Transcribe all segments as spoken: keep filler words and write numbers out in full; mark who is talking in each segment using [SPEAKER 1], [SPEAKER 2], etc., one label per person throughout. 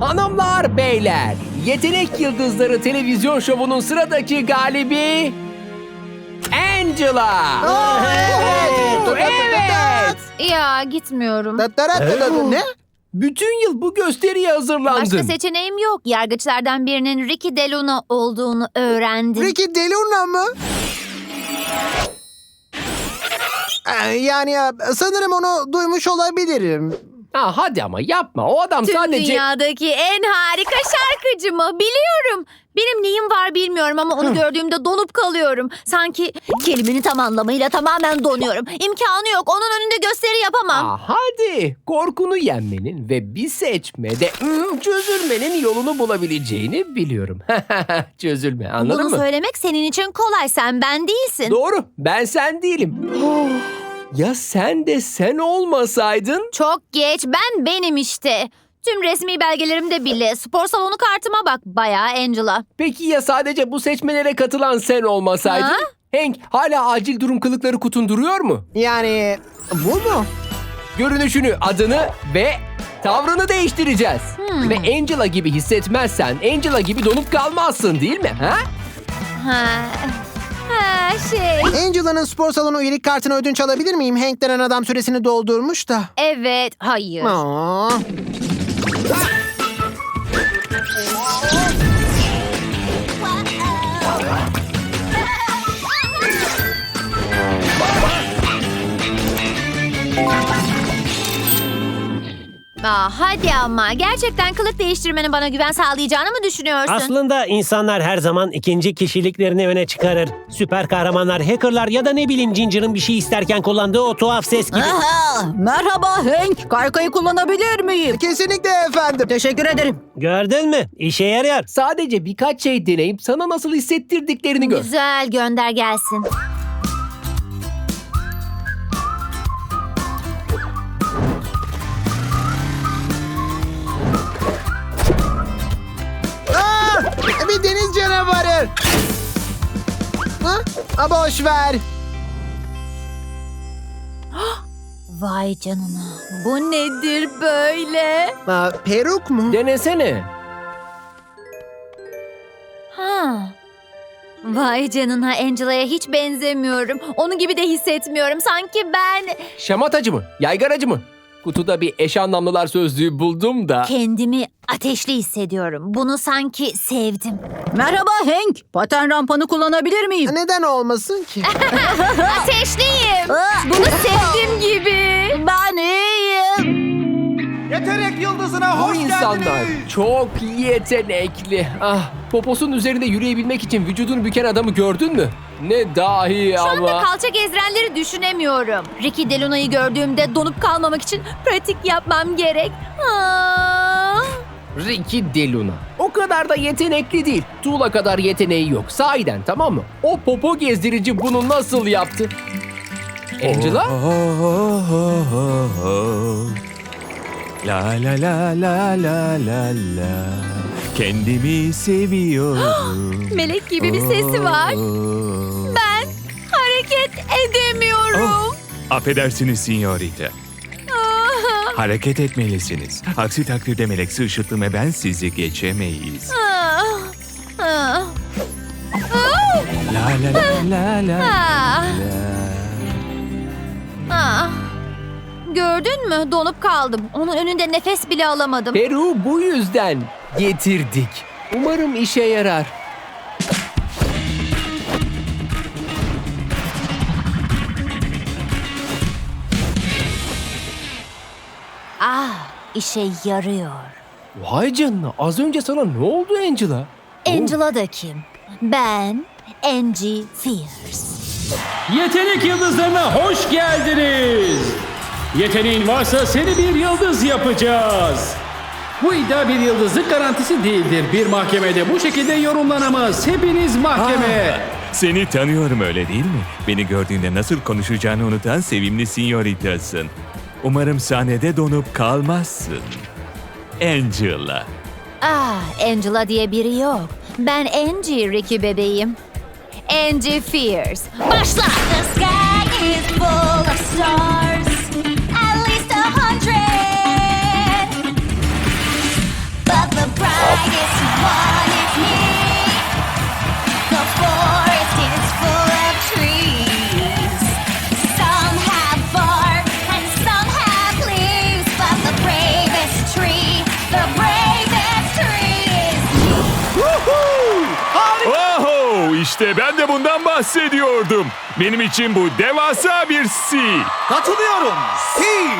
[SPEAKER 1] Hanımlar, beyler, Yetenek Yıldızları televizyon şovunun sıradaki galibi Angela.
[SPEAKER 2] Evet.
[SPEAKER 1] Evet.
[SPEAKER 3] Ya gitmiyorum.
[SPEAKER 2] Ne?
[SPEAKER 1] Bütün yıl bu gösteriye hazırlandın.
[SPEAKER 3] Başka seçeneğim yok. Yargıçlardan birinin Ricky DeLuna olduğunu öğrendim.
[SPEAKER 2] Ricky DeLuna mı? Ee, Yani ya, sanırım onu duymuş olabilirim.
[SPEAKER 1] Ha, hadi ama yapma. O adam
[SPEAKER 3] Tüm
[SPEAKER 1] sadece...
[SPEAKER 3] dünyadaki en harika şarkıcı mı? Biliyorum. Benim neyim var bilmiyorum ama onu gördüğümde donup kalıyorum. Sanki kelimenin tam anlamıyla tamamen donuyorum. İmkanı yok. Onun önünde gösteri yapamam.
[SPEAKER 1] Aa, hadi korkunu yenmenin ve bir seçmede hmm, çözülmenin yolunu bulabileceğini biliyorum. Çözülme, anladın
[SPEAKER 3] Bunu
[SPEAKER 1] mı?
[SPEAKER 3] söylemek senin için kolay. Sen ben değilsin.
[SPEAKER 1] Doğru, ben sen değilim. Ya sen de sen olmasaydın?
[SPEAKER 3] Çok geç. Ben benim işte. Tüm resmi belgelerimde bile. Spor salonu kartıma bak. Bayağı Angela.
[SPEAKER 1] Peki ya sadece bu seçmelere katılan sen olmasaydın?
[SPEAKER 3] Ha?
[SPEAKER 1] Hank, hala acil durum kılıkları kutun duruyor mu?
[SPEAKER 2] Yani bu mu?
[SPEAKER 1] Görünüşünü, adını ve tavrını değiştireceğiz.
[SPEAKER 3] Hmm.
[SPEAKER 1] Ve Angela gibi hissetmezsen Angela gibi donup kalmazsın değil mi? Ha?
[SPEAKER 3] Ha. Ha şey.
[SPEAKER 2] Angela'nın spor salonu üyelik kartını ödünç alabilir miyim? Hank denen adam süresini doldurmuş da.
[SPEAKER 3] Evet. Hayır.
[SPEAKER 2] Aa.
[SPEAKER 3] Aa, hadi ama. Gerçekten kılık değiştirmenin bana güven sağlayacağını mı düşünüyorsun?
[SPEAKER 4] Aslında insanlar her zaman ikinci kişiliklerini öne çıkarır. Süper kahramanlar, hackerlar ya da ne bileyim Ginger'ın bir şey isterken kullandığı o tuhaf ses gibi.
[SPEAKER 5] Aha, merhaba Hank. Kaykayı kullanabilir miyim?
[SPEAKER 2] Kesinlikle efendim.
[SPEAKER 5] Teşekkür ederim.
[SPEAKER 4] Gördün mü? İşe yarıyor.
[SPEAKER 1] Sadece birkaç şey deneyip sana nasıl hissettirdiklerini gör.
[SPEAKER 3] Güzel, gönder gelsin.
[SPEAKER 2] Aa, bir deniz canavarı. Ha? Ha, boş ver.
[SPEAKER 3] Vay canına. Bu nedir böyle?
[SPEAKER 2] Aa, peruk mu?
[SPEAKER 1] Denesene.
[SPEAKER 3] Ha. Vay canına, Angela'ya hiç benzemiyorum. Onu gibi de hissetmiyorum. Sanki ben
[SPEAKER 1] Şamatacı mı? Yaygaracı mı? Kutuda bir eş anlamlılar sözlüğü buldum da.
[SPEAKER 3] kendimi ateşli hissediyorum. Bunu sanki sevdim.
[SPEAKER 5] Merhaba Hank. Paten rampanı kullanabilir miyim?
[SPEAKER 2] Neden olmasın ki?
[SPEAKER 3] Ateşliyim.
[SPEAKER 5] Aa!
[SPEAKER 3] Bunu sevdim gibi.
[SPEAKER 5] Ben iyiyim.
[SPEAKER 6] Yetenek Yıldızı'na
[SPEAKER 1] Bu
[SPEAKER 6] hoş
[SPEAKER 1] insanlar
[SPEAKER 6] geldiniz.
[SPEAKER 1] çok yetenekli. Ah, poposunun üzerinde yürüyebilmek için vücudunu büken adamı gördün mü? Ne dahi
[SPEAKER 3] Şu
[SPEAKER 1] ama.
[SPEAKER 3] anda kalça gezdirenleri düşünemiyorum. Ricky DeLuna'yı gördüğümde donup kalmamak için pratik yapmam gerek. Aa.
[SPEAKER 1] Ricky DeLuna. O kadar da yetenekli değil. Tuğla kadar yeteneği yok. Sahiden, tamam mı? O popo gezdirici bunu nasıl yaptı? Angela?
[SPEAKER 7] La la la la la la la. Kendimi seviyorum.
[SPEAKER 3] Melek gibi bir sesi var. Ben hareket edemiyorum.
[SPEAKER 7] Oh, affedersiniz sinyorita.
[SPEAKER 3] Ah.
[SPEAKER 7] Hareket etmelisiniz. Aksi takdirde Melek ışıtlı ve ben sizi geçemeyiz.
[SPEAKER 3] Ah. Ah.
[SPEAKER 7] La la la la la
[SPEAKER 3] Ah.
[SPEAKER 7] la.
[SPEAKER 3] Ah. Gördün mü? Donup kaldım. Onun önünde nefes bile alamadım.
[SPEAKER 1] Peru bu yüzden getirdik. Umarım işe yarar.
[SPEAKER 3] Ah, işe yarıyor.
[SPEAKER 1] Vay canına, az önce sana ne oldu Angela?
[SPEAKER 3] Angela da kim? Ben Angie Fierce.
[SPEAKER 8] Yetenek yıldızlarına hoş geldiniz. Yeteneğin varsa seni bir yıldız yapacağız. Bu iddia bir yıldızlık garantisi değildir. Bir mahkemede bu şekilde yorumlanamaz. Hepiniz mahkeme.
[SPEAKER 7] Seni tanıyorum öyle değil mi? Beni gördüğünde nasıl konuşacağını unutan sevimli sinyoritasın. Umarım sahnede donup kalmazsın. Angela.
[SPEAKER 3] Ah, Angela diye biri yok. Ben Angie Ricky bebeğim. Angie Fierce. Başla!
[SPEAKER 9] The sky is full of stars, at least a hundred. But the
[SPEAKER 7] İşte ben de bundan bahsediyordum. Benim için bu devasa bir C.
[SPEAKER 6] Katılıyorum. Si.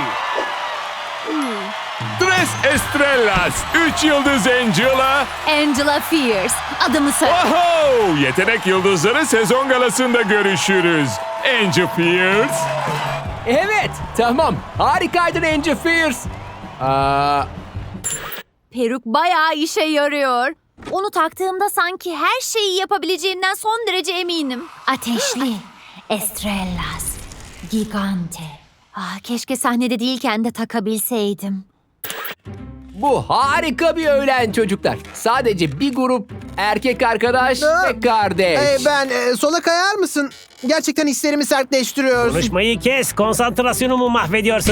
[SPEAKER 7] Tres Estrellas, üç yıldız Angela.
[SPEAKER 3] Angela Fierce. Adımı söyle.
[SPEAKER 7] Oho! Yetenek Yıldızları sezon galasında görüşürüz. Angel Fierce.
[SPEAKER 1] Evet, tamam. Harikaydın Angel Fierce. Aa,
[SPEAKER 3] Peruk bayağı işe yarıyor. Onu taktığımda sanki her şeyi yapabileceğimden son derece eminim. Ateşli, Estrellas, Gigante. Ah, keşke sahnede değilken de takabilseydim.
[SPEAKER 1] bu harika bir öğlen çocuklar. Sadece bir grup erkek arkadaş
[SPEAKER 2] Aa,
[SPEAKER 1] ve kardeş.
[SPEAKER 2] Ee, ben e, sola kayar mısın? Gerçekten hislerimi sertleştiriyorsun.
[SPEAKER 4] Konuşmayı kes, konsantrasyonumu mahvediyorsun.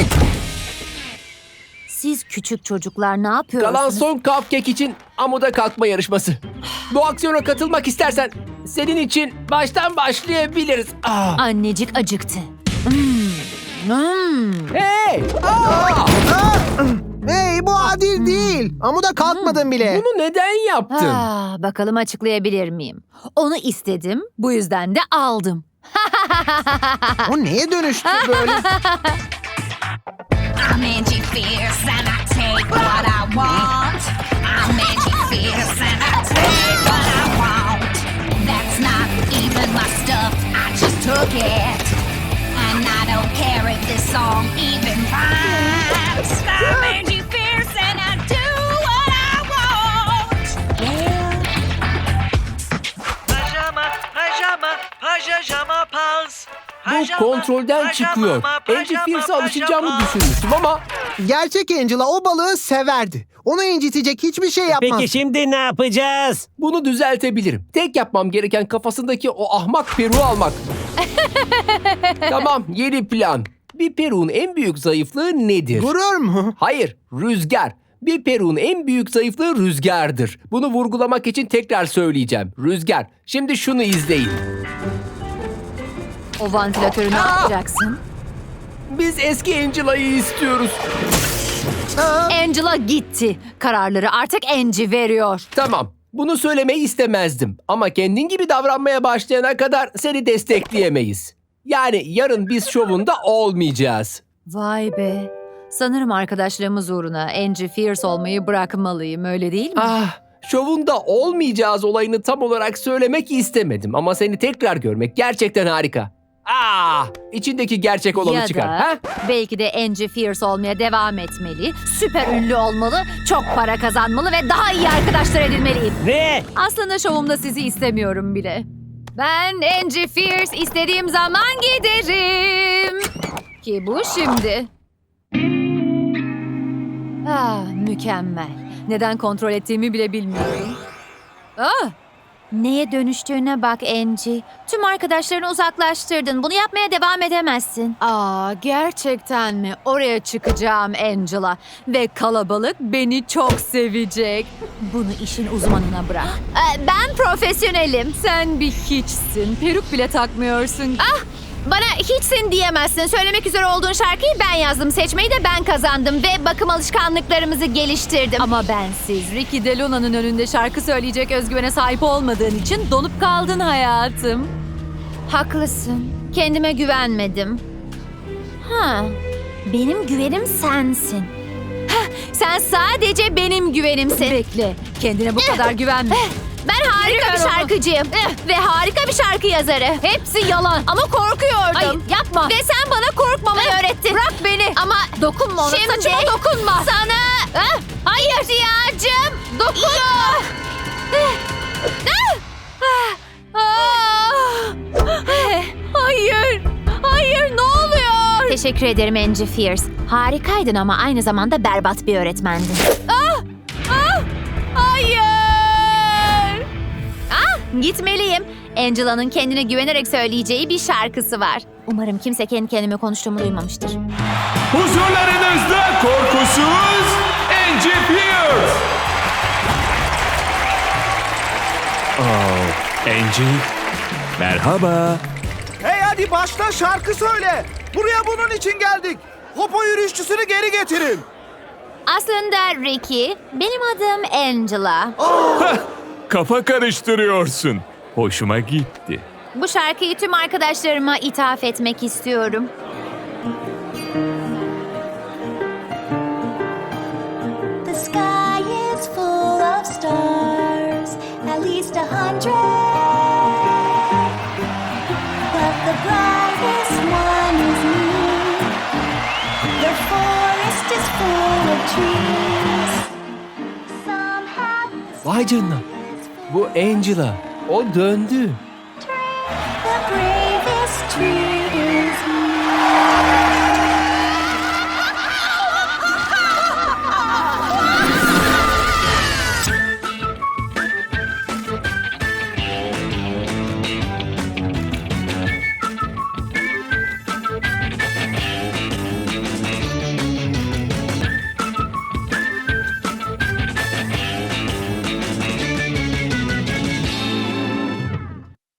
[SPEAKER 3] Siz küçük çocuklar ne yapıyorsunuz?
[SPEAKER 1] Kalan son cupcake için amuda kalkma yarışması. Bu aksiyona katılmak istersen senin için baştan başlayabiliriz. Aa.
[SPEAKER 3] Annecik acıktı. Hmm. Hmm.
[SPEAKER 1] Hey! Aa!
[SPEAKER 2] Hey, bu adil değil. Ama da kalkmadın bile.
[SPEAKER 1] Bunu neden yaptın?
[SPEAKER 3] Ah, bakalım açıklayabilir miyim? Onu istedim, bu yüzden de aldım.
[SPEAKER 2] O neye dönüştü böyle?
[SPEAKER 9] I'm Angie Fierce and I take what I want. I'm Angie Fierce and I take what I want. That's not even my stuff, I just took it. And I don't care if this song even rhymes. I'm Angie Fierce and I do what I want. Yeah.
[SPEAKER 10] Pajama, pajama, pajama pals.
[SPEAKER 1] Bu kontrolden çıkıyor. Angel Fierce'a alışacağımı düşünmüştüm ama
[SPEAKER 2] Gerçek Angela o balığı severdi. Onu incitecek hiçbir şey yapmaz.
[SPEAKER 4] Peki şimdi ne yapacağız?
[SPEAKER 1] bunu düzeltebilirim. Tek yapmam gereken kafasındaki o ahmak peruğu almak. Tamam, yeni plan. Bir peruğun en büyük zayıflığı nedir?
[SPEAKER 2] Gurur mu?
[SPEAKER 1] Hayır, rüzgar. Bir peruğun en büyük zayıflığı rüzgardır. Bunu vurgulamak için tekrar söyleyeceğim. Rüzgar. Şimdi şunu izleyin.
[SPEAKER 3] O vantilatörü ne
[SPEAKER 1] Aa!
[SPEAKER 3] yapacaksın?
[SPEAKER 1] Biz eski Angela'yı istiyoruz.
[SPEAKER 3] Angela gitti. Kararları artık Angie veriyor.
[SPEAKER 1] Tamam, bunu söylemeyi istemezdim. Ama kendin gibi davranmaya başlayana kadar seni destekleyemeyiz. Yani yarın biz şovunda olmayacağız.
[SPEAKER 3] Vay be. Sanırım arkadaşlarımız uğruna Angie Fierce olmayı bırakmalıyım, öyle değil mi?
[SPEAKER 1] Ah, şovunda olmayacağız olayını tam olarak söylemek istemedim. Ama seni tekrar görmek gerçekten harika. Ah, içindeki gerçek olanı
[SPEAKER 3] ya
[SPEAKER 1] çıkar.
[SPEAKER 3] da
[SPEAKER 1] Ha?
[SPEAKER 3] belki de Angie Fierce olmaya devam etmeli, süper ünlü olmalı, çok para kazanmalı ve daha iyi arkadaşlar edinmeliyim.
[SPEAKER 4] Ne?
[SPEAKER 3] Aslında şovumda sizi istemiyorum bile. Ben Angie Fierce istediğim zaman giderim. Ki bu şimdi. Ah, mükemmel. Neden kontrol ettiğimi bile bilmiyorum. Ah! Neye dönüştüğüne bak Angie. Tüm arkadaşlarını uzaklaştırdın. Bunu yapmaya devam edemezsin. Aa, gerçekten mi? Oraya çıkacağım Angela. Ve kalabalık beni çok sevecek. Bunu işin uzmanına bırak. Ben profesyonelim. Sen bir hiçsin. Peruk bile takmıyorsun. Ah! Bana hiçsin diyemezsin. Söylemek üzere olduğun şarkıyı ben yazdım. Seçmeyi de ben kazandım ve bakım alışkanlıklarımızı geliştirdim. Ama bensiz Ricky DeLuna'nın önünde şarkı söyleyecek özgüvene sahip olmadığın için donup kaldın hayatım. Haklısın. Kendime güvenmedim. Ha, benim güvenim sensin. Hah, sen sadece benim güvenimsin. Bekle. Kendine bu kadar güvenme. Ben harika bir şarkıcıyım. Ve harika bir şarkı yazarı. Hepsi yalan. Ama korkuyordum. Hayır, yapma. Ve sen bana korkmamayı öğrettin. Bırak beni. Ama dokunma ona. Şimdi saçıma dokunma. Sana. Hayır. İhtiyacım. Dokunma. Hayır. Hayır, ne oluyor? Teşekkür ederim Angie Fierce. Harikaydın ama aynı zamanda berbat bir öğretmendin. Ah! Ah! Hayır. Ah, gitmeliyim. Angela'nın kendine güvenerek söyleyeceği bir şarkısı var. Umarım kimse kendi kendime konuştuğumu duymamıştır.
[SPEAKER 7] Huzurlarınızda korkusuz Angie Fierce. Oh, Angie. Merhaba.
[SPEAKER 6] Hey hadi başla şarkı söyle. Buraya bunun için geldik. Popo yürüyüşçüsünü geri getirin.
[SPEAKER 3] Aslında Ricky, benim adım Angela.
[SPEAKER 7] Hah, kafa karıştırıyorsun. Hoşuma gitti.
[SPEAKER 3] Bu şarkıyı tüm arkadaşlarıma ithaf etmek istiyorum.
[SPEAKER 9] The sky is full of stars, at least a hundred. But the brightest one is me. The forest is full of trees. Some have
[SPEAKER 1] Vay canına. Bu Angela. O döndü.
[SPEAKER 9] the bravest tree.